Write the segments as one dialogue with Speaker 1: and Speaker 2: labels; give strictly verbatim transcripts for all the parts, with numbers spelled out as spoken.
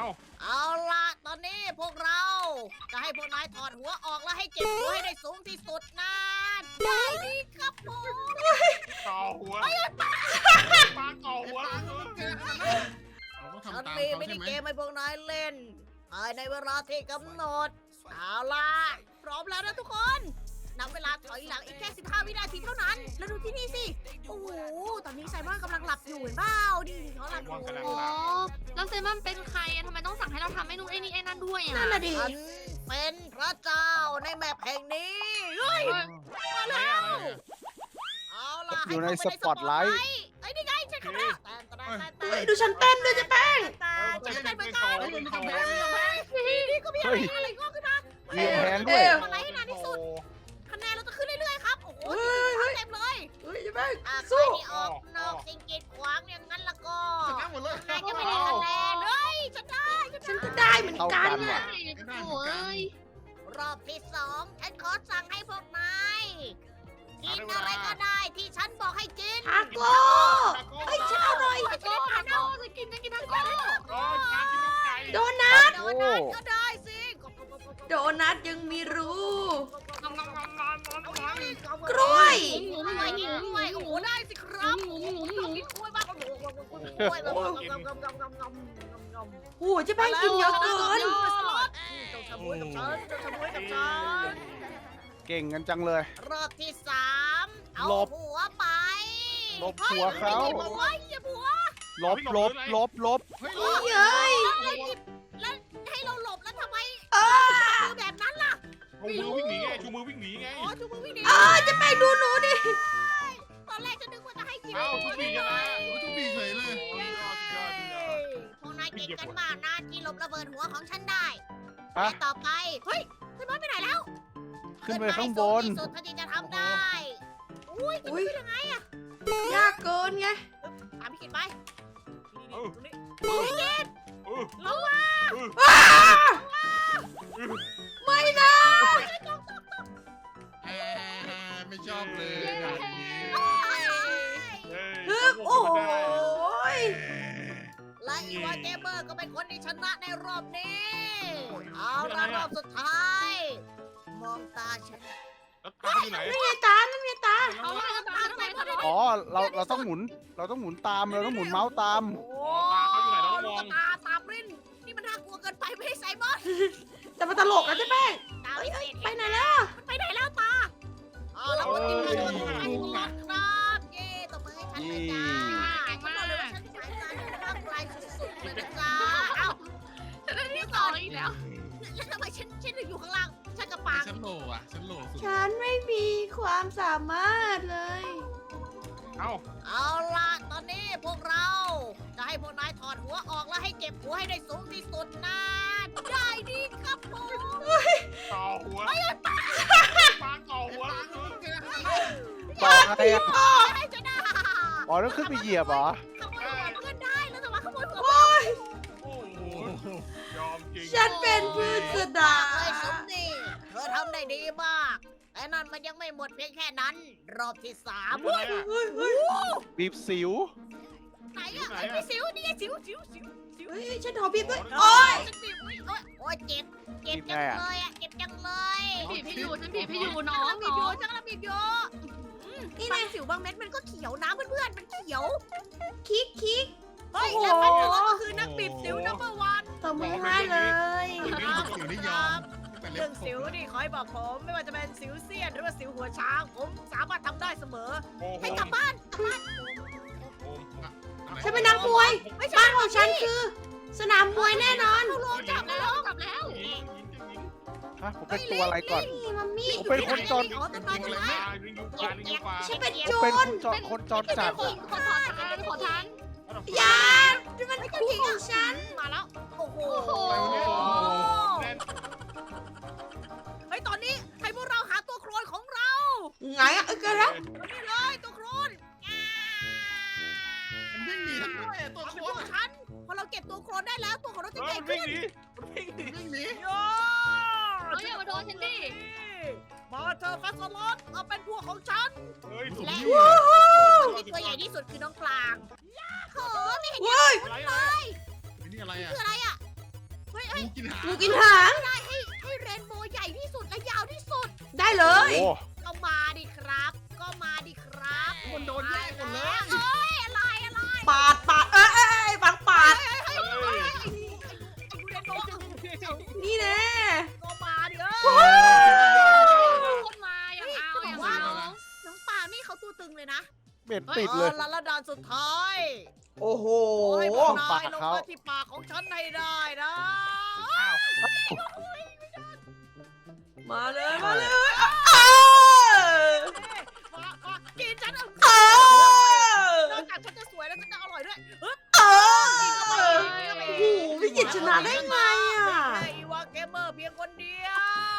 Speaker 1: เอา
Speaker 2: เอาล่ะตอนนี้พวกเราจะให้พวกนายถอดหัวออกแล้วให้เก็บหัวให้ได้สูงที่สุดนะได้ดีครับผม
Speaker 1: ต่อหัวปลาต่อหัว
Speaker 3: เราต้อง
Speaker 2: ฉัน
Speaker 3: ทำตาม
Speaker 2: มี
Speaker 3: เขา
Speaker 2: มิ
Speaker 3: ใช่
Speaker 2: นิ
Speaker 3: ไหม
Speaker 2: เกมให้พวกนายเล่นภายในเวลาที่กำหนดเอาล่ะพร้อมแล้วนะทุกคนนับเวลาถอยหลังอีกแค่สิบห้าวินาทีเท่านั้นแล้วดูที่นี่สิโอ้โหตอนนี้ไซมอนกำลังหลับอยู่เห็นเปล่าดิเขาหลับอยู่
Speaker 4: โอ้แล้วเซมันเป็นใครอะทำไมต้องสั่งให้เราทำไอ้นู่นไอ้นี่ไอ้นั่นด้วยอะ
Speaker 2: นั่นน่ะดิฉันเป็นพระเจ้าในแมปแห่งนี้เฮ้ย
Speaker 1: มาแล้ว
Speaker 2: เอาล่ะ
Speaker 5: อยู่ใน
Speaker 2: ให้
Speaker 5: ส
Speaker 2: เข้าไป
Speaker 5: ปอตไลท์
Speaker 2: ไอ้ยนี่ไงฉันเข้ามาแล้วแต่แต่แต่แต่
Speaker 6: เฮ้ยดูฉันเต้นด้วยเจ๊แป้ง
Speaker 2: แต่ฉันเต้นเหมือนกัน
Speaker 1: เฮ้ยมันกำแพง
Speaker 2: นี่ก็มีอะไรอะไรงอกขึ้นมา
Speaker 5: มีแพงด้วย
Speaker 2: สปอตไลท์ให้นานที่สุดคะแนนเราจะขึ้นเรื่อยๆครับโอ้โห
Speaker 6: เฮ้ยเฮ้ย
Speaker 2: เต็มเลย
Speaker 6: เฮ้ยเจ๊แป้ง
Speaker 2: อ่ะใคร
Speaker 6: สู้
Speaker 2: ที่ออกนอกสิ่งกีดขวางอย่างนั้นละก็
Speaker 3: ชนะหมดเลย
Speaker 2: นายจะไม่ได้คะแนนเฮ้ยฉันได้ฉัน
Speaker 6: ฉัน
Speaker 2: ได้
Speaker 6: ก็ได้เหมือนกัน
Speaker 5: เท่ากันว่ะ
Speaker 6: น่ะ
Speaker 4: โอ้ย
Speaker 2: รอบที่สองฉันขอสั่งให้พวกนายกินอะไรก็ได้ที่ฉันบอกให้กิน
Speaker 6: ทาโก้เฮ้ยฉันเอาหน่อย
Speaker 2: ไม่ได้ทาน
Speaker 4: โอ้จะกินจะกินทั้งก้อน
Speaker 1: โอ้ยกินน้ำไก่
Speaker 6: โดนัท
Speaker 2: โดนัทก็ได้สิ
Speaker 6: โดนัทยังมีรู
Speaker 4: งอมงอมงอมงอมงอมงอม
Speaker 6: กล้วย
Speaker 4: หมุน
Speaker 2: ก
Speaker 4: ห
Speaker 2: ล้
Speaker 4: มุ
Speaker 2: วย
Speaker 4: น
Speaker 2: กิน
Speaker 4: หมุน
Speaker 2: กล้วยโอ้โหได้สิครับ
Speaker 4: หมุนหมุนห
Speaker 2: ช
Speaker 4: มุ
Speaker 2: อบ
Speaker 4: น
Speaker 2: กินกล้วยมากโอ้โหกล้วยแบบงำงำงำงำงำงำงำ
Speaker 6: โอ้โหเจ๊แป้งกินเยอะเกิน
Speaker 2: เจ้าชะมวยกับฉันเจ้าชะมวยกับฉัน
Speaker 5: เก่งกันจังเลย
Speaker 2: รอบที่สามเอา
Speaker 5: หลบ
Speaker 2: หัวไป
Speaker 5: หลบหัวเขา
Speaker 2: ฮ้ยหัวอย่าหัว
Speaker 5: ลบลบลบลบ
Speaker 3: เฮ้ย
Speaker 6: เฮ้ยเฮ้ย
Speaker 2: แล้วหยิบแล้วให้เราหลบแล้วทำไม
Speaker 6: เออ
Speaker 2: คือแบบนั้นล่ะ
Speaker 1: ชูมือวิ่งหนีไงชูมือวิ่งหนีไง
Speaker 2: อ๋อชูมือวิ่งหนี
Speaker 6: เออเจ๊แป้งดูหนูดิ
Speaker 2: ตอนแรกฉันนึกว่าจะให้หยิบ
Speaker 1: เอ้าทุกทีกันนะ
Speaker 3: โอ้ยทุกปีเฉยเลย
Speaker 1: ยอดยอดยอด
Speaker 2: พวกนายเก่งกันมากนะที่หลบระเบิดหัวของฉันได้
Speaker 5: ฮะ
Speaker 2: และต่อไป เฮ้ยขึ้นมาไปไหนแล้ว
Speaker 5: ขึ้นไปข้างบน
Speaker 2: ขึ้นมาให้สูงที่สุดเท่าที่จะทำได้ อุ้ยจะ
Speaker 6: อุ้ย
Speaker 2: ขึ้นยังไงอะ
Speaker 6: ยากเกินไง
Speaker 2: ตามพี่กินไป
Speaker 1: เออ
Speaker 2: ตรงนี้
Speaker 1: เออ
Speaker 2: ลงมา
Speaker 6: อ้าไม่นะ
Speaker 3: แอบไม่ชอบเลยแบบนี้
Speaker 6: ฮึบโอ้โหย
Speaker 2: และอีวาเกมเมอร์ก็เป็นคนที่ชนะในรอบนี้ เอาละรอบสุดท้าย มองตาฉัน
Speaker 1: แล้วตาอยู่ไหน
Speaker 6: นั่นไงตานั่นไงตา
Speaker 4: เอามาตามไปทำไม
Speaker 5: อ๋อ เราเราต้องหมุน เราต้องหมุนตาม เราต้องหมุนเมาส์ตาม
Speaker 2: โอ้
Speaker 1: ตาเขาอยู่ไหนน้องม
Speaker 2: ลู
Speaker 1: อก ง
Speaker 2: ตาตาปริ้นนี่มันน่ากลัวเกินไปไม่ให้ใส่บอส
Speaker 6: แต่มันตลกนะเจ๊แป้ง
Speaker 2: ตา
Speaker 6: เอ้ยเอ้ย
Speaker 2: เห็น
Speaker 6: ไปไหนแล้ว
Speaker 2: มันไปไหนแล้วตาเอาละคนที่มาโดนทำให้หมดครับเย้ตบมือให้ฉันเลยจ้าฉันบอกเลยว่าฉันสายตาฉันร่างกายสุดๆเลยนะจ๊ะเอ้า
Speaker 4: ฉันได้ที่สองอีกแล้ว
Speaker 2: แล้วทำไมฉันฉันถึงอยู่ข้างล่างฉันกับปาง
Speaker 3: ฉันโหลอ่ะฉันโหลสุด
Speaker 6: ฉันไม่มีความสามารถเลย
Speaker 1: เอ้า
Speaker 2: เอาล่ะตอนนี้พวกเราจะให้พวกนายถอดหัวออกแล้วให้เก็บหัวให้ได้สูงที่สุดนะได้ดีครับผม
Speaker 1: ต่อหัวปลาต่อหัว
Speaker 5: ต่ออะไรอ่ะ
Speaker 2: ให้จะได้
Speaker 5: อ๋อต้องขึ้นไปเหยียบเหรอ
Speaker 2: ขโมยหัวเพื่อนได้แล้วแต่ว่าขโมยหัว
Speaker 6: โอ้ย
Speaker 1: โอ้โหยอมจริง
Speaker 6: ฉันเป็นพืชสดา
Speaker 2: เลยสมดีเธอทำได้ดีมาก แต่นั่นมันยังไม่หมดเพียงแค่นั้น รอบที่สาม
Speaker 1: เฮ้ย
Speaker 6: เฮ้ยเฮ้ย
Speaker 5: บีบสิว
Speaker 2: ไหนอะไอ้พี่สิวนี่ไงสิวสิวสิวสิว
Speaker 6: เฮ้ยฉันขอบีบด้วย
Speaker 2: โอ้
Speaker 6: โอ้
Speaker 2: ย
Speaker 6: ย
Speaker 2: ฉันบีบอุ๊ยโอ้ยโอ้ยเจ็บเจ็บจังเลยอะเจ็บจังเลย
Speaker 4: บีบให้อยู่ฉันบีบให้อยู่น้อง
Speaker 2: ฉักำลับีบ
Speaker 4: น้
Speaker 2: อ
Speaker 4: อยู่ ง
Speaker 2: ฉันกำลังบีบอยู่นี่บางสิวบางเม็ดมันก็เขียวนะเพื่อนๆมันเขียว
Speaker 6: คิกคิก
Speaker 2: เฮ้ย
Speaker 6: โอ้โห
Speaker 2: และพันธุ์ก็คือนักบีบสิวนัมเบอร์วัน
Speaker 6: ตบมือให้เลย
Speaker 3: ไม่ได้สิวได้ยอมแต่เล็
Speaker 2: เรื่
Speaker 3: บ
Speaker 2: อง
Speaker 3: ข
Speaker 2: สิว
Speaker 3: บ
Speaker 2: นี่ขอให้บอกผมไม่ว่าจะเป็นสิวเสี้ยนหรือว่าสิวหัวช้าง ผมสามารถทำได้เสมอ
Speaker 1: โอ้โห
Speaker 2: ให้กลับบ้านกลับบ้าน
Speaker 6: ฉันเป็นนักมวย
Speaker 2: ไม่ใช่
Speaker 6: บ้านของฉันคือ สนามมวยแน่นอน
Speaker 2: เข้าโรงจับ
Speaker 4: แล้
Speaker 2: แล้ว ว
Speaker 4: กลับแล้ว
Speaker 1: ยิงยิงยิง
Speaker 5: ฮะ ผมเป็นตัวอะไรก่อน
Speaker 6: นี่มัมมี่
Speaker 5: ผมเป็นคนจน
Speaker 2: อ๋อต้นไม้ต้นไม้
Speaker 1: ยิงยิงฟ้ายิงยิงฟ้า
Speaker 6: ฉันเป็นโจ
Speaker 5: เป็น
Speaker 6: ร
Speaker 5: คนจรคนจรจัด
Speaker 4: ขอขอทานขอทาน
Speaker 6: อย่านี่มันคู่ของฉัน
Speaker 2: มาแล้ว โอ้โห
Speaker 4: โอ้โห
Speaker 2: เฮ้ยตอนนี้ให้พวกเราหาตัวโครนของเรา
Speaker 6: ไงอะเออเกิดแล้ว
Speaker 2: นี่เลยตัวโครนอ่า
Speaker 3: มันวิ่งหนีทั้งด้วยตัว
Speaker 2: เอา
Speaker 3: โค
Speaker 2: เป็นพวก
Speaker 3: ตร
Speaker 2: ฉัน พอเราเก็บตัวโครนได้แล้วตัวของเราจะ
Speaker 1: เฮ้
Speaker 2: ให
Speaker 1: ย
Speaker 2: ญ่
Speaker 1: วิ่
Speaker 2: ขึ้
Speaker 1: ง
Speaker 2: น
Speaker 1: หนี
Speaker 3: วิ่งหนี
Speaker 2: โย่
Speaker 4: เฮ้ยอย่ามาโดนฉันดิ
Speaker 2: มาเธอะฟัสลอตเอาเป็นพวกของฉัน
Speaker 1: เฮ้ยถูก
Speaker 2: และ
Speaker 1: ยิง
Speaker 2: ที่ตัวใหญ่ที่สุดคือน้องกลางโอ้ไม่เห็น
Speaker 6: เว้ย
Speaker 1: อะไร
Speaker 2: เล
Speaker 1: อะไร
Speaker 2: ย
Speaker 3: นี่อะไรอ่ะ
Speaker 2: คืออะไรอ่ะ
Speaker 3: งูกินหาง
Speaker 6: งูกินหาง
Speaker 2: ได้ให้ให้เรนโบว์ใหญ่ที่สุดและยาวที่สุด
Speaker 6: ได้เลย
Speaker 5: โอ้
Speaker 2: ก็มาดิครับ ก็มาดิครับ
Speaker 3: มันโดนแย่งหมดเลย
Speaker 2: เอ้ยอะไรอะไร
Speaker 6: ปาดปาดเอ้ยเอ้ยเอ้ยฟังปาด
Speaker 2: เฮ้ยเฮ้ยเฮ้ยไอ้ดูเรนโบว์
Speaker 6: นี่แน่
Speaker 2: ก็มาดิเอ
Speaker 6: โอ้
Speaker 2: อ
Speaker 4: คนมาอย่างเอาอย่างเอา
Speaker 2: น้องปางนี่เขาตัวตึงเลยนะ
Speaker 5: เบ็ดติดเลย
Speaker 2: ออแล้วด่านสุดท้าย
Speaker 6: โอ้โห
Speaker 2: โอ้ยพวกนาย
Speaker 5: ปาก
Speaker 2: ลง
Speaker 5: เขา
Speaker 2: มาที่ปากของฉันให้ได้นะ
Speaker 1: อ้าว
Speaker 6: มาเลยมาเลยเอ้ย
Speaker 2: มามากินฉันเอา
Speaker 6: เอ้ย
Speaker 2: นอกจากฉันจะสวยแล้วฉันจะอร่อยด้วยเฮ้ย
Speaker 6: เอ้ยโอ้โหพี่กิจชนะได้ไงอ่ะ
Speaker 2: แค่อีวาเกมเมอร์เพียงคนเดียว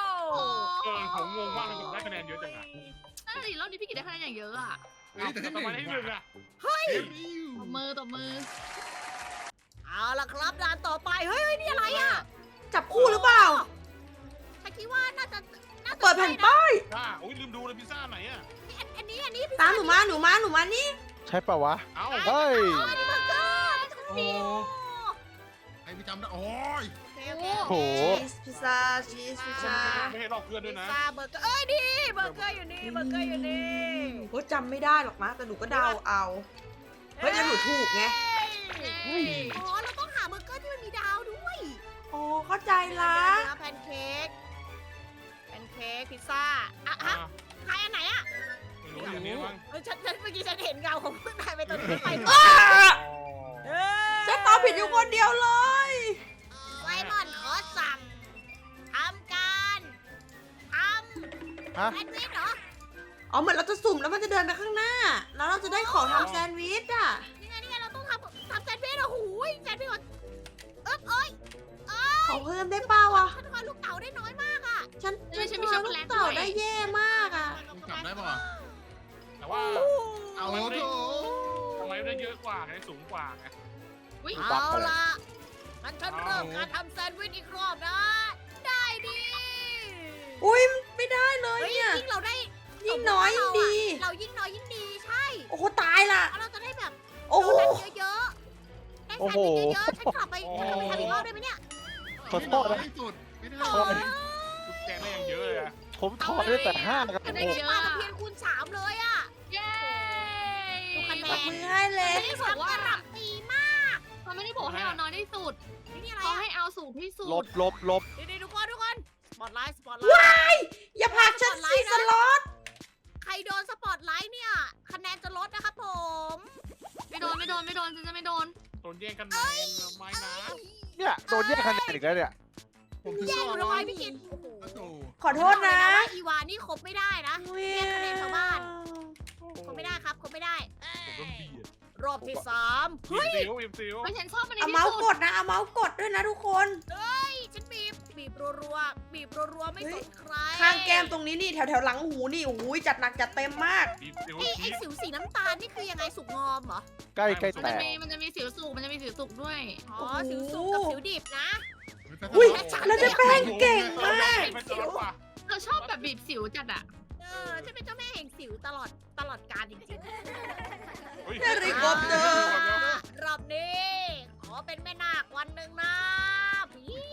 Speaker 1: เออผมงงมากเลยผมได้คะแนนเยอะจังอะ
Speaker 4: นั่นดิรอบนี้พี่กิตได้คะแนนอย่างเยอะอ่ะ
Speaker 3: เฮ้ยแต่
Speaker 1: แต่
Speaker 3: ทำ
Speaker 1: ทำ
Speaker 3: ไม
Speaker 1: ไม
Speaker 3: ได้
Speaker 1: ได้
Speaker 3: ห
Speaker 1: ห
Speaker 3: นึ่
Speaker 1: นึ่
Speaker 3: ง
Speaker 1: ง
Speaker 3: อะ
Speaker 1: อะ
Speaker 4: ตบมือตบมือ
Speaker 2: เอาล่ะครับด่านต่อไปเฮ้ยเฮ้ยนี่อะไรอ่ะ
Speaker 6: จับคู่หรือเปล่า
Speaker 2: ฉันคิดว่าน่าจะน่าจะ
Speaker 6: เปิดแผ่น
Speaker 2: ใช่นะ
Speaker 6: ป้าย
Speaker 1: อ่าโอ้ยลืมดูเลยพิซซ่าไหนอะ
Speaker 2: อันอันนี้อันนี้พี่
Speaker 6: ตามหนูมาหนูมาหนูมานี่
Speaker 5: ใช่ปะวะ
Speaker 1: เอ้า
Speaker 5: เฮ้ย
Speaker 2: อ๋อนี่เบอร์เกอร์
Speaker 3: โอ้ใครไปจำได้โอ้ย
Speaker 2: โอเคโอเค
Speaker 5: โอ้โห
Speaker 6: ชีสพิซซ่าชีสพิซซ่า
Speaker 1: ไม่ให้ลอกเพื่อนด้วยนะ
Speaker 2: พิซซ่าเบอร์เกอร์เอ้ยนี่เบอร์เกอร์อยู่นี่เบอร์เกอร์อยู่นี่
Speaker 6: ก็จำไม่ได้หรอกนะแต่หนูก็เดาเอา เฮ้ยแล้วหนูถูกไง
Speaker 2: เฮ้ยอ๋อเราต้องหาเบอร์เกอร์ที่มันมีดาวด้วย
Speaker 6: โอ้เข้าใจละ
Speaker 2: เดี๋ยวนะแพนเค้กแพนเค้กพิซซ่าอ่ะ
Speaker 1: อ่า
Speaker 2: ฮะใครอันไหนอ่ะ
Speaker 1: ไม่รู้อย่างนี้มั้ง
Speaker 2: เฮ้ยฉันฉันเมื่อกี้ฉันเห็นเงาของเพื่อนนายไปตอนนี้ไป
Speaker 6: อ้า
Speaker 2: เอ้ย
Speaker 6: ฉันตอบผิดอยู่คนเดียวเลย
Speaker 2: ไซมอนขอสั่งทำการท
Speaker 5: ฮะ
Speaker 2: ำแซนด์วิชเหรอ
Speaker 6: อ๋อเหมือนเราจะสุ่มแล้วมันจะเดินไปข้างหน้า แล้วเราจะได้ของทำแซนด์วิชอ่ะ
Speaker 2: นี่ไงนี่ไงเราต้องทำทำแซนด์วิชเหรอหูยแซนด์วิชก่อนเอ๊บเอ้ยเอ้
Speaker 6: ขอย เพิ่มได้เปล่าวะ
Speaker 2: ฉันทำลูกเต๋าได้น้อยมากอ่ะ
Speaker 6: ฉัน
Speaker 4: ไม่ใช่มี
Speaker 6: ฉั
Speaker 4: ช็อกโกแลต
Speaker 6: ต่อ
Speaker 4: ด้วย
Speaker 6: ได้แย่มากอ่ะ
Speaker 3: ต้องกลับได้ป่ะ
Speaker 1: แต่ว่า
Speaker 3: เอาโถ
Speaker 1: ทำไมได้เยอะกว่าไงสูงกว่าไง
Speaker 4: อุ้ย
Speaker 2: เอาล่ะงั้นฉันเริ่มการทำแซนด์วิชอีกรอบนะ ได้ดิ
Speaker 6: อุ้ยไม่ได้เลย
Speaker 2: เฮ้ย
Speaker 6: เนี่ย
Speaker 2: ยิ่งเราได้
Speaker 6: ยิ่งน้อยยิ่งดี
Speaker 2: เรายิ่งน้อยยิ่งดีใช่
Speaker 6: โอ้โหตายละ
Speaker 2: แล้วเราจะได้แบบ
Speaker 6: โอ้โห
Speaker 2: โดนัทเยอะๆได้แซนด์วิชเยอะๆฉันกลับไปฉันกลับไปทำอีกรอบได้ไหมเนี่ย
Speaker 5: ขอโทษนะ
Speaker 3: ไม่สุดไม่ได้
Speaker 5: โทษ
Speaker 3: เลย
Speaker 1: ทุกแกงได้อย่างเยอะเลยอะ
Speaker 5: ผมถอดได้แต่ห้ากับ
Speaker 4: ได้
Speaker 5: หก
Speaker 4: เยอะ
Speaker 2: ปลา
Speaker 4: อะ
Speaker 2: ตะเพียนคูณสามเลยอ่ะ
Speaker 4: เย้
Speaker 2: ดูคะแน
Speaker 6: ตบมือให้เลย
Speaker 2: ไม่ได้บอกว่ารับตีมาก
Speaker 4: เขาไม่ได้บอกให้เอาน้อยที่สุด
Speaker 2: นี่อะไร
Speaker 4: เขา
Speaker 2: อ่ะ
Speaker 4: ให้เอาสูงที่สุด
Speaker 5: ลบลบลบ
Speaker 2: ดีๆทุกคนทุกคนสปอตไลท์สปอตไล
Speaker 6: ว้า
Speaker 2: ท์
Speaker 6: ยอย่าผลักฉันสิสล็อต
Speaker 2: ใครโดนสปอตไลท์เนี่ยคะแนนจะลดนะครับผม
Speaker 4: ไม่โดนไม่โดนไม่โดนฉันจะไม่โดน
Speaker 1: โดนแย่งกันแมนไม่นะ
Speaker 5: เนี่ยโดนแย่งคะแนนอีกแล้วเนี่ย
Speaker 3: ผมถึง
Speaker 2: แย่
Speaker 3: ก็
Speaker 2: ง
Speaker 3: ร้
Speaker 2: ทำ
Speaker 3: อ
Speaker 2: ไม
Speaker 3: ย
Speaker 2: พี่กินโอ้โห
Speaker 3: โอ้โห
Speaker 6: ขอโทษนะ
Speaker 2: บอกเลยว่าอีวานี่ครบไม่ได้นะ
Speaker 6: เว้ย
Speaker 2: เรียกคะแนนชาวบ้าน ครบไม่ได้ครับครบไม่ได้
Speaker 1: ผมโดนเบียด
Speaker 2: รอบที่สาม
Speaker 1: บีบซิวบีบซิว
Speaker 4: ไม่ฉันชอบมันใน
Speaker 6: เอา
Speaker 4: ที่
Speaker 6: เมาส์
Speaker 4: สุ
Speaker 6: ก
Speaker 4: ด
Speaker 6: ดนะ เอาเมาส์กดด้วยนะทุกคน
Speaker 2: เฮ้ยฉันบีบบีบรัวๆบีบรัวๆไม่สนใคร
Speaker 6: ข้างแก้มตรงนี้นี่แถวแถวๆหลังหูนี่โอ้ยจัดหนักจัดเต็มมาก
Speaker 1: บีบซิว
Speaker 2: ไอ้
Speaker 1: ชี
Speaker 2: ไอ้
Speaker 1: ส
Speaker 2: สิวสีน้ำตาลนี่คือยังไงสุกงอมเหรอ
Speaker 5: ใกล้ใกล้
Speaker 4: มัน
Speaker 5: แต
Speaker 4: จะ
Speaker 5: ก
Speaker 4: มีมันจะมีสิวสุกมันจะมีสิวสุกด้วย
Speaker 2: อ๋อ
Speaker 6: โอ้โห
Speaker 2: สิวสุกกับสิวดิบนะ
Speaker 6: อุ้ย
Speaker 2: และฉัน
Speaker 6: แล้วจะแป้งเก่งมาก
Speaker 1: มันจะร้อนกว่า
Speaker 4: เราชอบแบบบีบสิวจัดอะ
Speaker 2: เออฉันเป็นเจ้าแม่แห่งสิวตลอดตลอดกาลจริงๆ
Speaker 6: เฮลิคอปเตอร์
Speaker 2: รอบนี้ ขอเป็นแม่นาควันหนึ่งนะผี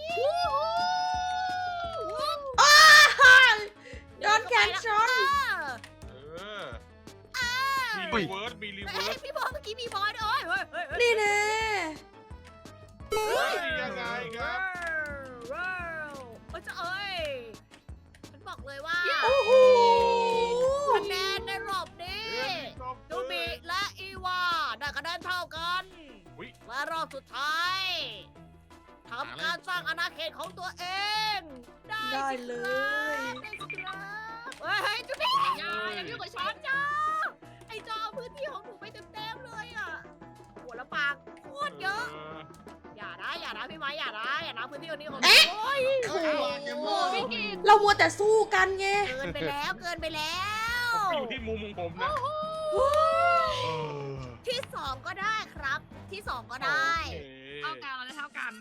Speaker 6: อ้าโดนแขนชน
Speaker 1: เออมีรีเวิร์สมีรี
Speaker 2: เฮ้
Speaker 1: เวิร์
Speaker 2: ย
Speaker 1: ส
Speaker 2: พี่บอลเมื่อกี้มีบอลด้วยเฮ้ยเฮ้ยเฮ้ย
Speaker 6: นี่แน่
Speaker 1: เฮ้ยยังไงครับ
Speaker 2: ว้าวโอ้ยจะเอ้ยฉันบอกเลยว่า
Speaker 6: โอ้โห
Speaker 2: คะแนนในรอบนี้ดูบิและอีวาได้คะแนนเท่ากัน
Speaker 1: อุ๊ย
Speaker 2: และรอบสุดท้ายทำการสร้างอาณาเขตของตัวเอง ได้
Speaker 6: ได้
Speaker 2: สิ
Speaker 6: เล
Speaker 2: ครับ
Speaker 6: ย
Speaker 2: ได้สิครับเฮ้ยจุ๊บบี้
Speaker 4: อย่าอย่ายุ่งกับฉัน
Speaker 2: จอไอจอพื้นที่ของหนูไปเต็มๆเลยอ่ะหัวละปากโคตรเยอะ อย่านะอย่านะพี่ไม้อย่านะอย่านะพื้นที่ตรงนี้ของหนูโอ้ย
Speaker 6: โอ้โห
Speaker 4: โอ้พี่กิน
Speaker 6: เรามัวแต่สู้กันไง
Speaker 2: เกินไปแล้วเกินไปแล้ว
Speaker 1: อยู่ที่มุมของผมนะ
Speaker 2: ที่สองก็ได้ครับ ที่สองก็ได้
Speaker 4: เท่ากันเราได้เท่ากัน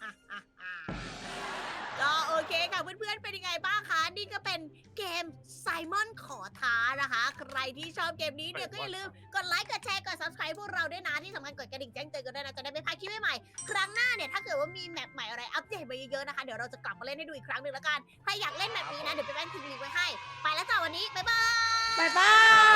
Speaker 2: ก็โอเคค่ะเพื่อนๆเป็นยังไงบ้างคะนี่ก็เป็นเกมไซมอนขอท้านะคะ ใครที่ชอบเกมนี้เนี่ยก็อย่าลืมกดไลค์กดแชร์กด subscribe พวกเราด้วยนะที่สำคัญกดกระดิ่งแจ้งเตือนกันด้วยนะจะได้ไม่พลาดคลิปใหม่ๆครั้งหน้าเนี่ยถ้าเกิดว่ามีแมปใหม่อะไรอัปเดตมาเยอะๆนะคะเดี๋ยวเราจะกลับมาเล่นให้ดูอีกครั้งหนึ่งแล้วกันใครอยากเล่นแบบนี้นะเดี๋ยวไปแป้งทิ้งลิงก์ไว้ให้ไปแล้วจ้าวันนี้บ๊ายบาย
Speaker 6: บายบาย